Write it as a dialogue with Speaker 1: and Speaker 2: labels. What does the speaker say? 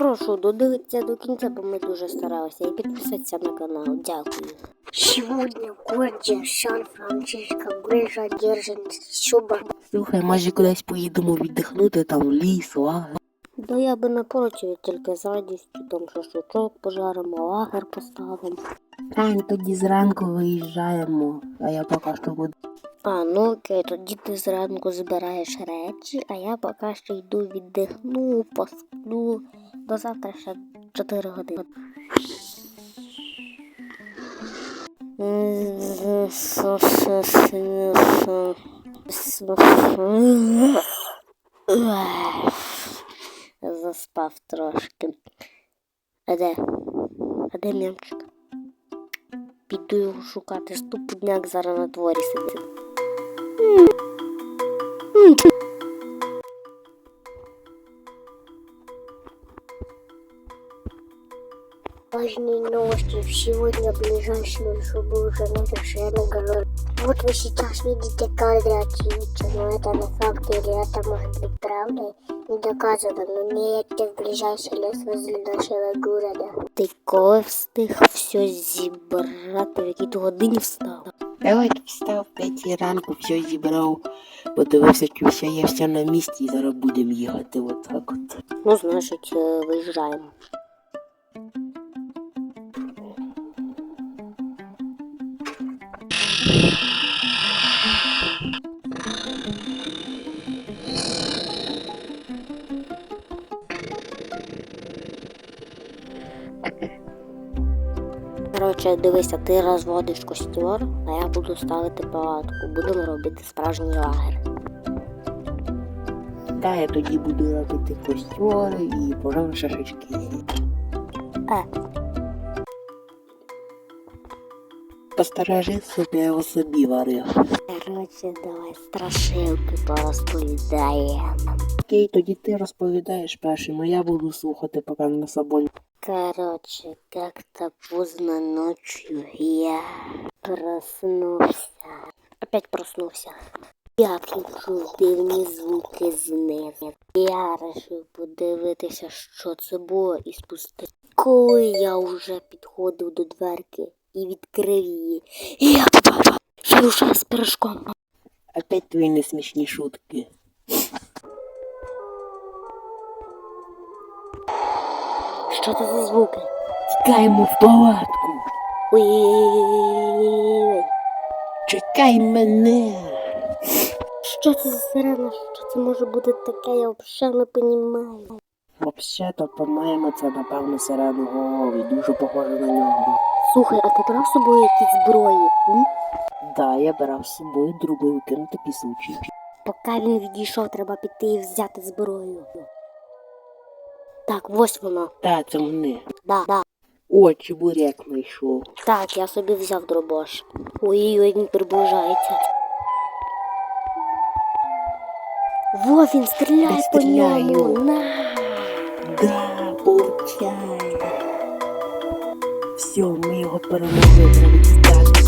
Speaker 1: Прошу додивитися до кінця, бо ми дуже старалися, і підписатися на канал. Дякую.
Speaker 2: Сегодня в городе Сан-Франциско грижа держить шуба.
Speaker 3: Слухай, може кудись поїдемо віддихнути, там в ліс, лагер.
Speaker 1: Да я би не проти, тільки з радістю, там шашличок пожаримо, лагер поставимо.
Speaker 3: Тань, тоді зранку виїжджаємо, а я поки що буду.
Speaker 1: Ну окей, тоді ти зранку збираєш речі, а я поки що йду віддихну, посплю. До завтра ще 4 години. Заспав трошки. А де м'ямчик? Піду його шукати, ступудняк зараз на дворі сидить.
Speaker 2: Важные новости. Сегодня ближайшую шубу уже совершенно голодный. Вот вы сейчас видите кадры очевидца, но это на факт или это может быть правдой, не доказано, но не едьте в ближайший лес возле нашего города.
Speaker 1: Ти коли встиг все зібрати, в якій ти годині встав?
Speaker 3: Я от встав в 5 ранку, все зібрав, подивився, чи все є все на місці, і зараз будемо їхати отак от.
Speaker 1: Ну, значить, виїжджаємо. Коротше, дивися, ти розводиш костер, а я буду ставити палатку. Будемо робити справжній лагер.
Speaker 3: Та я тоді буду робити костер і пожарю шашлички. Посторожи собі, я його собі варив.
Speaker 1: Коротше, давай страшилки порозповідаємо.
Speaker 3: Окей, тоді ти розповідаєш першим, а я буду слухати, поки на собою.
Speaker 1: Короче, как-то поздно ночью я проснулся. Опять проснулся. Я почув дивні звуки знизу. Я вирішив подивитися, що це було, і спустив. Коли я вже підходив до дверки і відкрив її, я побачив, що душа з пирожком.
Speaker 3: Опять твої несмішні шутки.
Speaker 1: Що це за звуки?
Speaker 3: Тікаємо в палатку.
Speaker 1: Ой-ой-ой-ой-ой.
Speaker 3: Чекай мене.
Speaker 1: Що це за сирена? Що це може бути таке? Я взагалі не розумію.
Speaker 3: Взагалі-то, по-моєму, це, напевно, сиреноголовий, дуже похоже на нього.
Speaker 1: Слухай, а ти брав з собою якісь зброї?
Speaker 3: Да, я брав з собою дробовики на такий случай.
Speaker 1: Поки він відійшов, треба піти і взяти зброю. Так, ось вона.
Speaker 3: Так, це вони.
Speaker 1: Да.
Speaker 3: О, чебурек знайшов.
Speaker 1: Так, я собі взяв дробаш. Ой-ой-ой, він приближається. Во, він стріляє по ньому. На!
Speaker 3: Да, получай. Все, ми його перемогли, треба тікати.